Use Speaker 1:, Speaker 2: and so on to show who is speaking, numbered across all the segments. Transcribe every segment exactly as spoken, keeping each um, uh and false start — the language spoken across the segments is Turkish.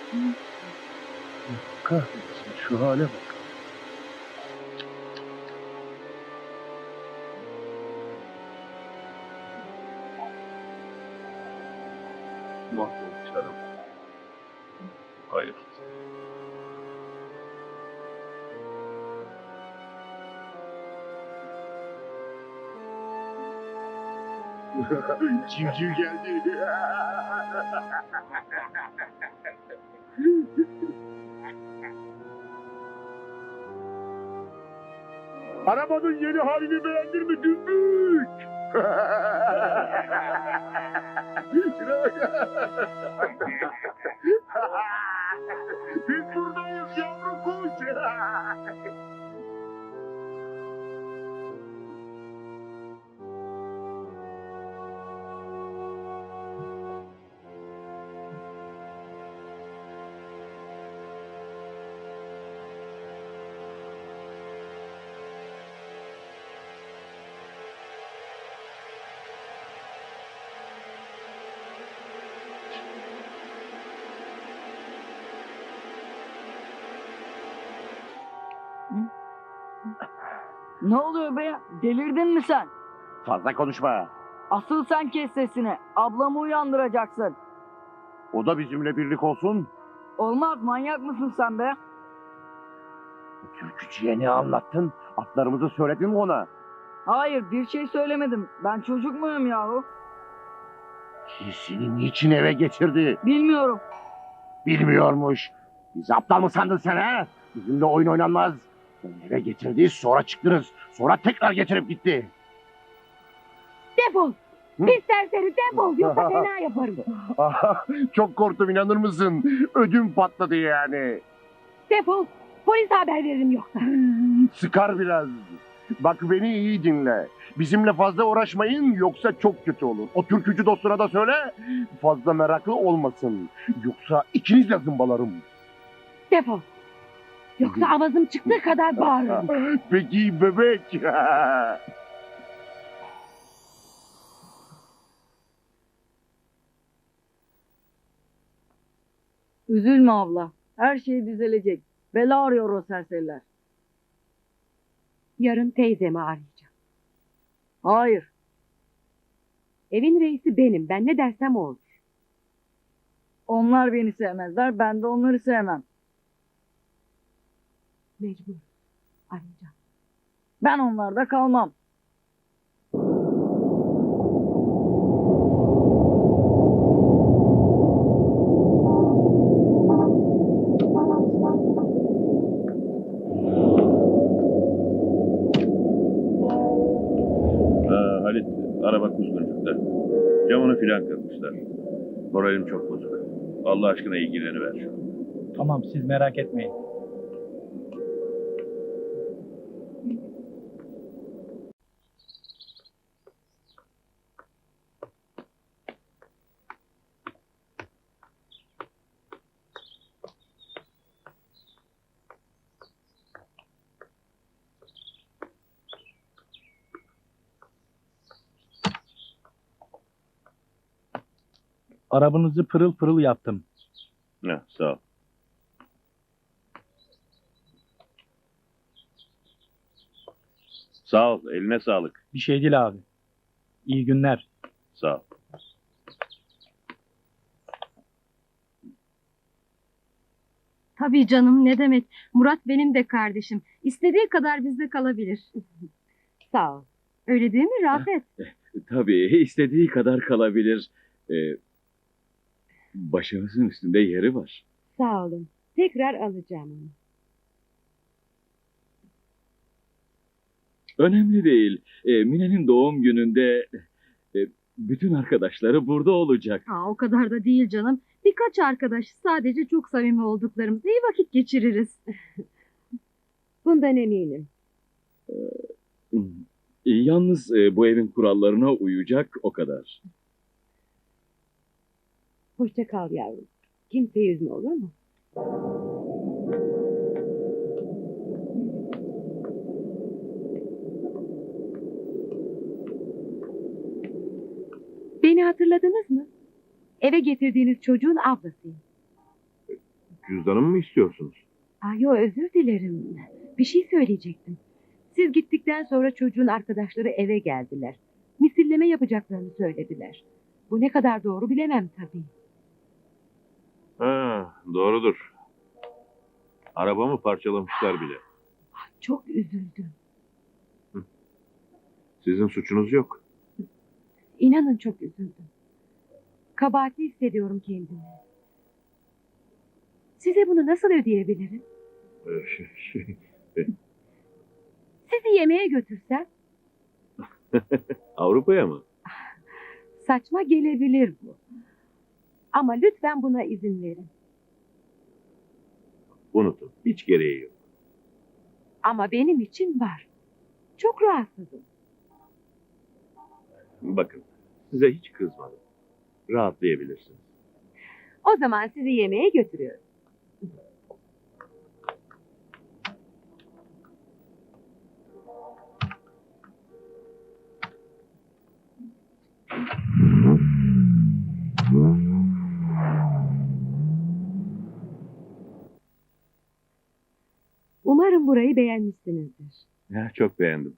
Speaker 1: Kahretsin, şu hale bak. Mahvolmuş adam. Hayır. Civciv geldi. Arabanın yeni halini beğendin mi dümbük? Şuna bak. Biz buradayız yavru kuş.
Speaker 2: Ne oluyor be? Delirdin mi sen?
Speaker 1: Fazla konuşma.
Speaker 2: Asıl sen kes sesini. Ablamı uyandıracaksın.
Speaker 1: O da bizimle birlik olsun.
Speaker 2: Olmaz, manyak mısın sen be?
Speaker 1: Türkçüye ne anlattın? Atlarımızı söyledin mi ona?
Speaker 2: Hayır, bir şey söylemedim. Ben çocuk muyum yahu?
Speaker 1: Seni niçin eve getirdi?
Speaker 2: Bilmiyorum.
Speaker 1: Bilmiyormuş. Bizi aptal mı sandın sen ha? Bizimle oyun oynanmaz. Beni eve getirdi, sonra çıktınız. Sonra tekrar getirip gitti.
Speaker 3: Defol!
Speaker 1: Hı?
Speaker 3: Pis serseri defol! Yoksa fena yaparım.
Speaker 1: Aha, çok korktum, inanır mısın? Ödüm patladı yani.
Speaker 3: Defol! Polis haber veririm yoksa.
Speaker 1: Sıkar biraz. Bak beni iyi dinle. Bizimle fazla uğraşmayın yoksa çok kötü olur. O türkücü dostuna da söyle fazla meraklı olmasın. Yoksa ikiniz de zımbalarım.
Speaker 3: Defol! Yoksa avazım çıktığı kadar bağırırım.
Speaker 1: Peki bebek.
Speaker 2: Üzülme abla. Her şey düzelecek. Bela arıyor o serseriler.
Speaker 3: Yarın teyzemi arayacağım.
Speaker 2: Hayır.
Speaker 3: Evin reisi benim. Ben ne dersem o olur.
Speaker 2: Onlar beni sevmezler. Ben de onları sevmem.
Speaker 3: Mecbur. Arayacağım.
Speaker 2: Ben onlarda kalmam.
Speaker 4: Ha, Halit, araba kuzguncukta. Camını filan kırmışlar. Moralim çok bozuk. Allah aşkına ilgileniver.
Speaker 5: Tamam, siz merak etmeyin. Arabanızı pırıl pırıl yaptım.
Speaker 4: Ha, sağ ol. Sağ ol, eline sağlık.
Speaker 5: Bir şey değil abi. İyi günler.
Speaker 4: Sağ ol.
Speaker 6: Tabii canım, ne demek. Murat benim de kardeşim. İstediği kadar bizde kalabilir.
Speaker 3: Sağ ol.
Speaker 6: Öyle değil mi Rafet?
Speaker 7: Tabii istediği kadar kalabilir. Ee, başımızın üstünde yeri var.
Speaker 3: Sağ olun. Tekrar alacağım onu.
Speaker 7: Önemli değil. Ee, Mine'nin doğum gününde e, bütün arkadaşları burada olacak.
Speaker 6: Aa, o kadar da değil canım. Birkaç arkadaş, sadece çok samimi olduklarımız. İyi vakit geçiririz.
Speaker 3: Bundan eminim.
Speaker 7: Ee, yalnız e, bu evin kurallarına uyacak o kadar.
Speaker 3: Hoşça kal yavrum. Kimseyi üzme, olur mu? Beni hatırladınız mı? Eve getirdiğiniz çocuğun ablasıyım.
Speaker 4: Cüzdanımı mı istiyorsunuz?
Speaker 3: Aa, yo, özür dilerim. Bir şey söyleyecektim. Siz gittikten sonra çocuğun arkadaşları eve geldiler. Misilleme yapacaklarını söylediler. Bu ne kadar doğru bilemem tabii.
Speaker 4: Ha, doğrudur. Arabamı parçalamışlar bile.
Speaker 3: Çok üzüldüm.
Speaker 4: Sizin suçunuz yok.
Speaker 3: İnanın çok üzüldüm. Kabahatli hissediyorum kendimi. Size bunu nasıl ödeyebilirim?
Speaker 4: Ee, şey, şey,
Speaker 3: Sizi yemeğe götürsem
Speaker 4: Avrupa'ya mı?
Speaker 3: saçma gelebilir bu. Ama lütfen buna izin verin.
Speaker 4: Unutun. Hiç gereği yok.
Speaker 3: Ama benim için var. Çok rahatsızım.
Speaker 4: Bakın, size hiç kızmadım. Rahatlayabilirsiniz.
Speaker 3: O zaman sizi yemeğe götürüyorum. Umarım burayı beğenmişsinizdir.
Speaker 4: Ya, çok beğendim.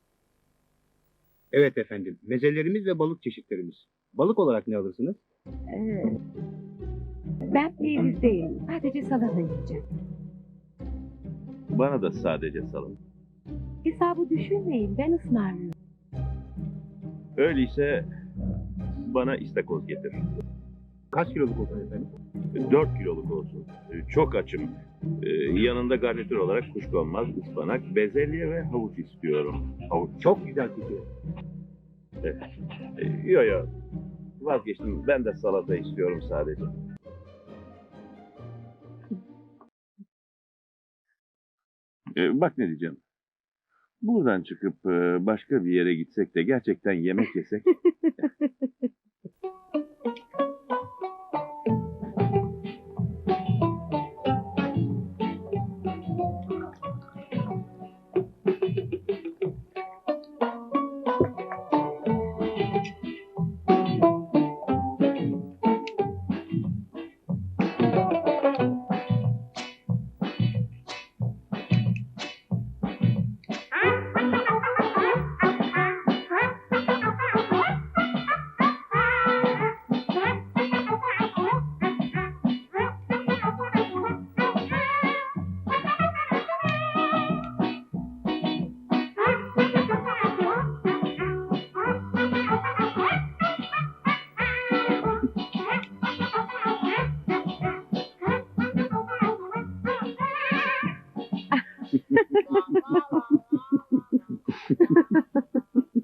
Speaker 8: Evet efendim. Mezelerimiz ve balık çeşitlerimiz. Balık olarak ne alırsınız?
Speaker 3: Ee, ben peynirdeyim. Sadece salata yiyeceğim.
Speaker 4: Bana da sadece salın.
Speaker 3: Hesabı düşünmeyin. Ben ısmarlıyorum.
Speaker 4: Öyleyse bana istakoz getir.
Speaker 8: Kaç kiloluk olsun efendim?
Speaker 4: Dört kiloluk olsun. Çok açım. Ee, yanında garnitür olarak kuşkonmaz, ıspanak, bezelye ve havuç istiyorum. Havuç.
Speaker 8: Çok güzel fikir.
Speaker 4: Ee, yo yo. Vazgeçtim. Ben de salata istiyorum sadece. Ee, bak ne diyeceğim. Buradan çıkıp e, başka bir yere gitsek de gerçekten yemek yesek.